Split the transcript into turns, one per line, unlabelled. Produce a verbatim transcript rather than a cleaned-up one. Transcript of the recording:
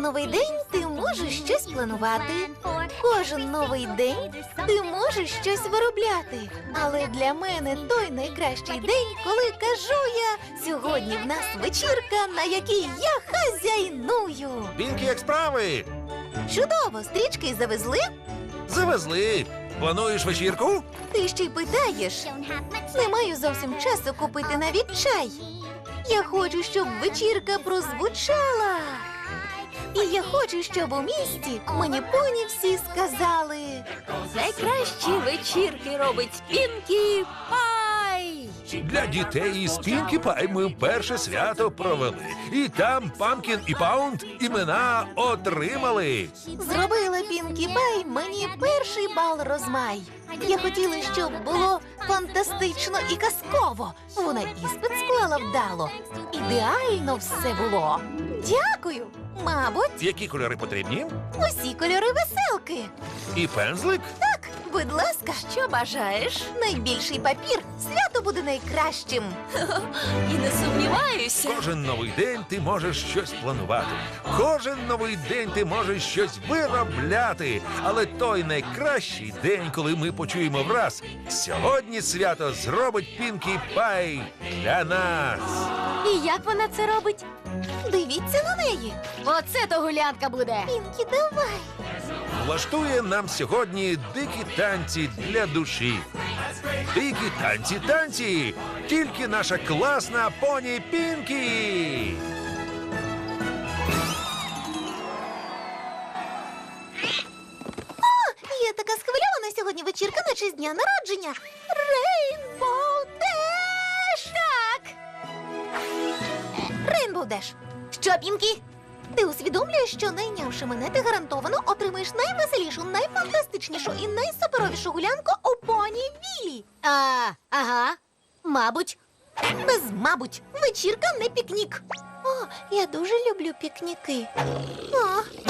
новий день ти можеш щось планувати. Кожен новий день ти можеш щось виробляти. Але для мене той найкращий день, коли кажу я, сьогодні в нас вечірка, на якій я хазяйную.
Пінкі, як справи?
Чудово, стрічки завезли?
Завезли. Плануєш вечірку?
Ти ще й питаєш. Не маю зовсім часу купити навіть чай. Я хочу, щоб вечірка прозвучала. І я хочу, щоб у місті мені поні всі сказали.
Найкращі вечірки робить Пінкі Пай!
Для дітей із Пінкі Пай ми перше свято провели. І там Памкін і Паунд імена отримали.
Зробила Пінкі Пай мені перший бал розмай. Я хотіла, щоб було фантастично і казково. Вона іспит склала вдало. Ідеально все було. Дякую. Мабуть,
Які кольори потрібні?
усі кольори веселки.
І пензлик?
Так, будь ласка.
Що бажаєш?
Найбільший папір. Свято буде найкращим.
І не сумніваюся.
Кожен новий день ти можеш щось планувати. Кожен новий день ти можеш щось виробляти. Але той найкращий день, коли ми почуємо враз, сьогодні свято зробить Пінкі Пай для нас.
І як вона це робить?
Дивіться на неї.
Оце то гулянка буде.
Пінкі, давай.
Влаштує нам сьогодні дикі танці для душі. Дикі танці, танці! Тільки наша класна поні Пінкі!
Я така схвильована сьогодні вечірка на честь дня народження. Рейнбоу Деш! Так! Рейнбоу Деш. Що, Пінкі? Ти усвідомлюєш, що найнявши мене, ти гарантовано отримаєш найвеселішу, найфантастичнішу і найсуперовішу гулянку у поні Віллі.
А, ага. Мабуть.
Без мабуть, вечірка не пікнік. О, я дуже люблю пікніки. О,